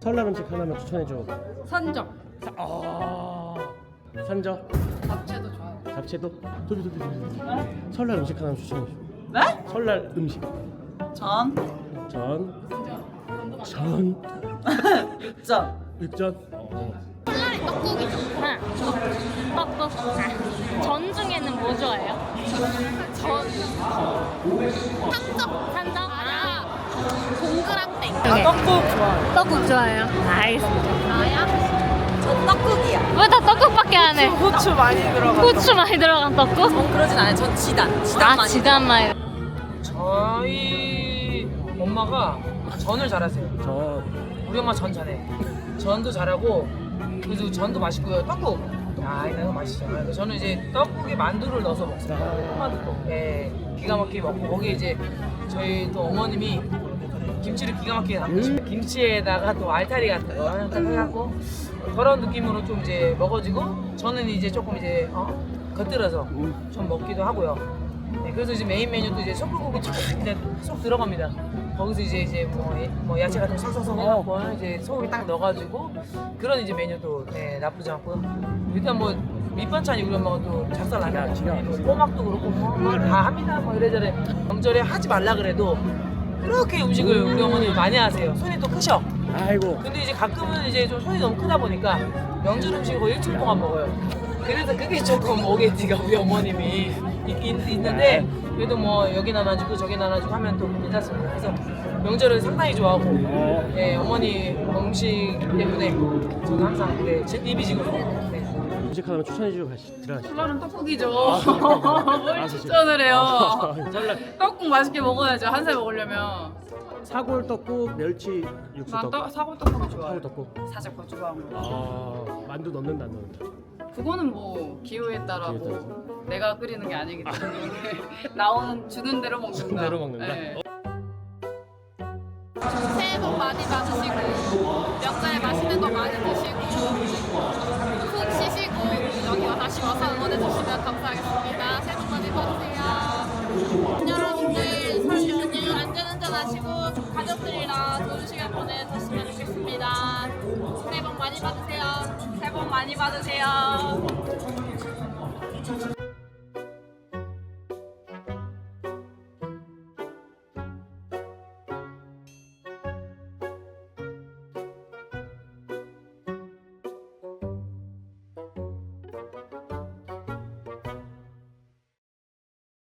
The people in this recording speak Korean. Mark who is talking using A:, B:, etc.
A: 설날 음식 하나만 추천해줘.
B: 산적.
A: 산적.
B: 잡채도 좋아요.
A: 잡채도. 도비. 설날 음식 하나만 추천해줘.
B: 네?
A: 설날 음식.
B: 전.
A: 전.
B: 육전.
A: 육전.
C: 설날이 떡국이죠. 떡국. 전 중에는 뭐 좋아해요? 전. 산적. 동그랑땡.
B: 떡국 좋아요.
C: 떡국 좋아해요. 알겠습니다. 나야?
B: 전 떡국이야.
C: 왜 다 떡국밖에 안 해?
B: 고추 많이 들어간.
C: 고추 많이 들어간 떡국?
B: 전 그러진 않아요. 전 지단.
C: 아, 지단마요.
D: 저희 엄마가 전을 잘하세요.
A: 전.
D: 우리 엄마 전 잘해. 전도 잘하고 그래서 전도 맛있고요. 떡국. 야, 이거 맛있죠. 그래서 저는 이제 떡국에 만두를 넣어서 먹습니다. 만두국. 예, 기가 막히게 먹고 거기에 이제 저희 또 어머님이 김치를 기가 막히게 담그시고 김치에다가 또 알타리 같은 거 해갖고 그런 느낌으로 좀 이제 먹어지고 저는 이제 조금 이제 겉들어서 좀 먹기도 하고요. 네, 그래서 이제 메인 메뉴도 이제 소불고기 쫙 이제 쏙 들어갑니다. 거기서 이제 뭐 야채 같은 거 싹싹싹 해갖고 이제 소고기 딱 넣어가지고 그런 이제 메뉴도 네, 나쁘지 않고 일단 뭐 밑반찬이 우리 엄마가 또 작살나면 꼬막도 그렇고 뭐 다 합니다. 뭐 이래저래 명절에 하지 말라 그래도 그렇게 음식을 우리 어머님이 많이 하세요. 손이 또 크셔.
A: 아이고.
D: 근데 이제 가끔은 이제 좀 손이 너무 크다 보니까 명절 음식을 거의 일주일 동안 먹어요. 그래서 그게 조금 오게티가 우리 어머님이 있는데 그래도 뭐 여기 나눠주고 저기 나눠주고 하면 또 괜찮습니다. 그래서 명절을 상당히 좋아하고 예, 어머니 음식 때문에 저는 항상 네, 제 입이 지금 네.
A: 음식 하나만 추천해주고 들어가시죠.
B: 설날은 떡국이죠. 뭘 추천을 해요.
A: 설날.
B: 떡국 맛있게 먹어야죠. 한 살 먹으려면.
A: 사골 떡국, 멸치 육수
B: 난
A: 떡국.
B: 사골 떡국이 좋아요.
A: 사골 떡국.
B: 살짝 고추가
A: 만두 넣는다 안 넣는다.
B: 그거는 뭐 기호에 따라
A: 기호에
B: 뭐 내가 끓이는 게 아니기 때문에 나오는 주는 대로 먹는다.
A: 주는 대로 먹는다?
B: 네.
C: 새해 복 많이 받으시고 명절에 맛있는 거 많이 드시고 푹 쉬시고 여기 다시 와서 응원해 주시면 감사하겠습니다. 새해 복 많이 받으세요. 여러분들 설 연휴 안전운전 하시고 가족들이랑 좋은 시간 보내셨으면 좋겠습니다. 새해 복 많이 받으세요. 새해 복 많이 받으세요.